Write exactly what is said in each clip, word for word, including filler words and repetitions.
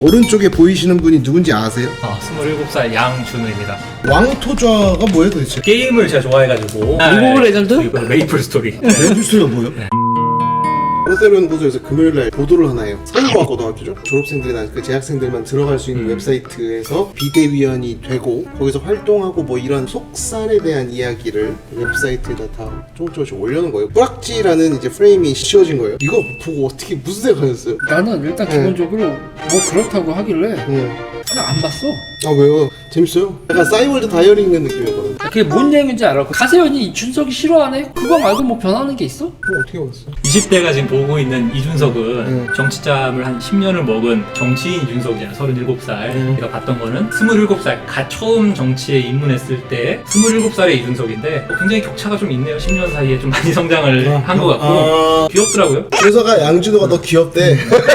오른쪽에 보이시는 분이 누군지 아세요? 아, 스물일곱 살 양준우입니다. 왕토좌가 뭐예요 도대체? 게임을 제가 좋아해가지고 리그 오브 레전드? 그리고 메이플 스토리. 랜드스가 뭐예요? 호세론 고소에서 금요일날 보도를 하나요. 서울과학고등학교죠. 졸업생들이나 그 재학생들만 들어갈 수 있는 음. 웹사이트에서 비대위원이 되고 거기서 활동하고 뭐 이런 속살에 대한 이야기를 웹사이트에다 다 조금 조금씩 올려놓은 거예요. 뿌락지라는 이제 프레임이 씌워진 거예요. 이거 보고 어떻게 무슨 생각하셨어요? 나는 일단 네. 기본적으로 뭐 그렇다고 하길래 응. 그냥 안 봤어. 아 왜요? 재밌어요? 약간 싸이월드 다이어리 읽는 느낌이었거든. 그게 뭔 얘기인지 알아. 가세현이 이준석이 싫어하네? 그거 말고 뭐 변하는 게 있어? 그럼 어떻게 봤어? 이십 대가 지금 보고 있는 이준석은 음. 정치짬을 한 십 년을 먹은 정치인 이준석이잖아. 서른일곱 살. 음. 내가 봤던 거는 스물일곱 살 갓 처음 정치에 입문했을 때 스물일곱 살의 이준석인데 뭐 굉장히 격차가 좀 있네요. 십 년 사이에 좀 많이 성장을 아, 한 것 같고 아... 귀엽더라고요. 그래서가 양준호가 너 귀엽대.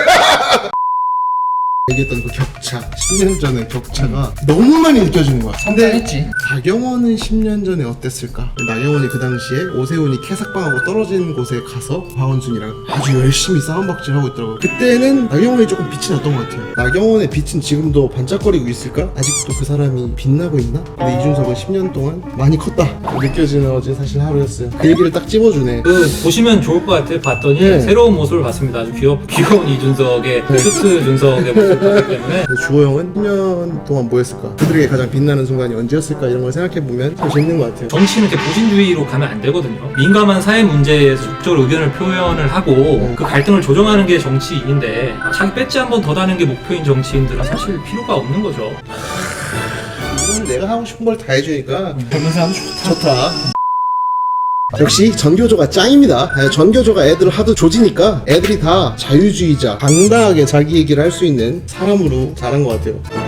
얘기했던 그 격차, 십 년 전의 격차가 너무 많이 느껴지는 거야. 근데 성장했지. 나경원은 십 년 전에 어땠을까? 나경원이 그 당시에 오세훈이 캐삭방하고 떨어진 곳에 가서 박원순이랑 아주 열심히 싸움박질하고 있더라고요. 그때는 나경원이 조금 빛이 났던 것 같아요. 나경원의 빛은 지금도 반짝거리고 있을까? 아직도 그 사람이 빛나고 있나? 근데 이준석은 십 년 동안 많이 컸다 느껴지는 어제 사실 하루였어요. 그 얘기를 딱 찝어주네. 그 보시면 좋을 것 같아요. 봤더니 네. 새로운 모습을 봤습니다. 아주 귀엽, 귀여운 이준석의 네. 큐트 준석의 모습을 봤기 때문에 주호 형은 십 년 동안 뭐 했을까? 그들에게 가장 빛나는 순간이 언제였을까? 이런 걸 생각해보면 참 재밌는 것 같아요. 정치는 이렇게 보신주의로 가면 안 되거든요. 민감한 사회 문제에 적극적으로 의견을 표현을 하고 음. 그 갈등을 조정하는 게 정치인인데 자기 배지 한 번 더 다는 게 목표인 정치인들은 사실 필요가 없는 거죠. 이건 내가 하고 싶은 걸 다 해주니까 젊은 사람 좋다. 좋다. 역시 전교조가 짱입니다. 네, 전교조가 애들을 하도 조지니까 애들이 다 자유주의자, 당당하게 자기 얘기를 할 수 있는 사람으로 자란 것 같아요.